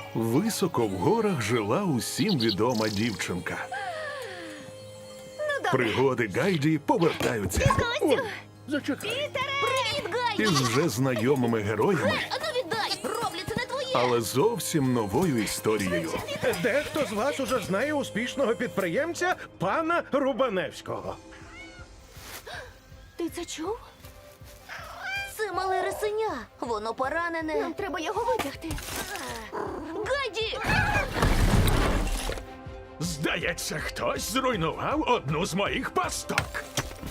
Високо в горах жила усім відома дівчинка. Пригоди Гайді повертаються Зачекай. Привіт, Гайді! із вже знайомими героями, Ану віддай! Роблі, це не твоє! але зовсім новою історією. Дехто з вас уже знає успішного підприємця пана Рубаневського. Ти це чув? Це мале рисеня. Воно поранене. Нам треба його витягти. Гайді! Здається, хтось зруйнував одну з моїх пасток.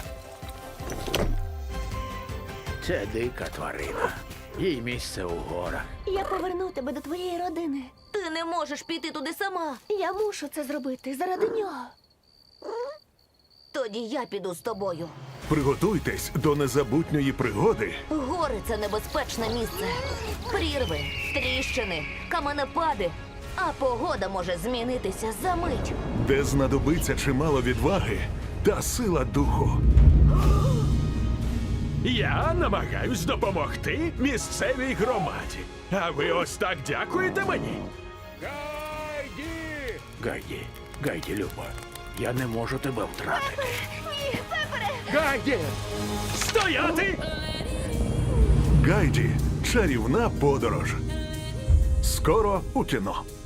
Це дика тварина. Їй місце у горах. Я поверну тебе до твоєї родини. Ти не можеш піти туди сама. Я мушу це зробити заради нього. Тоді я піду з тобою. Приготуйтесь до незабутньої пригоди, Гори – це небезпечне місце. Прірви, тріщини, каменепади. А погода може змінитися за мить. де знадобиться чимало відваги та сила духу. Я намагаюсь допомогти місцевій громаді. А ви ось так дякуєте мені? Гайді, Люба, я не можу тебе втратити. Гайді! Стояти! Гайді. Чарівна подорож. Скоро у кіно.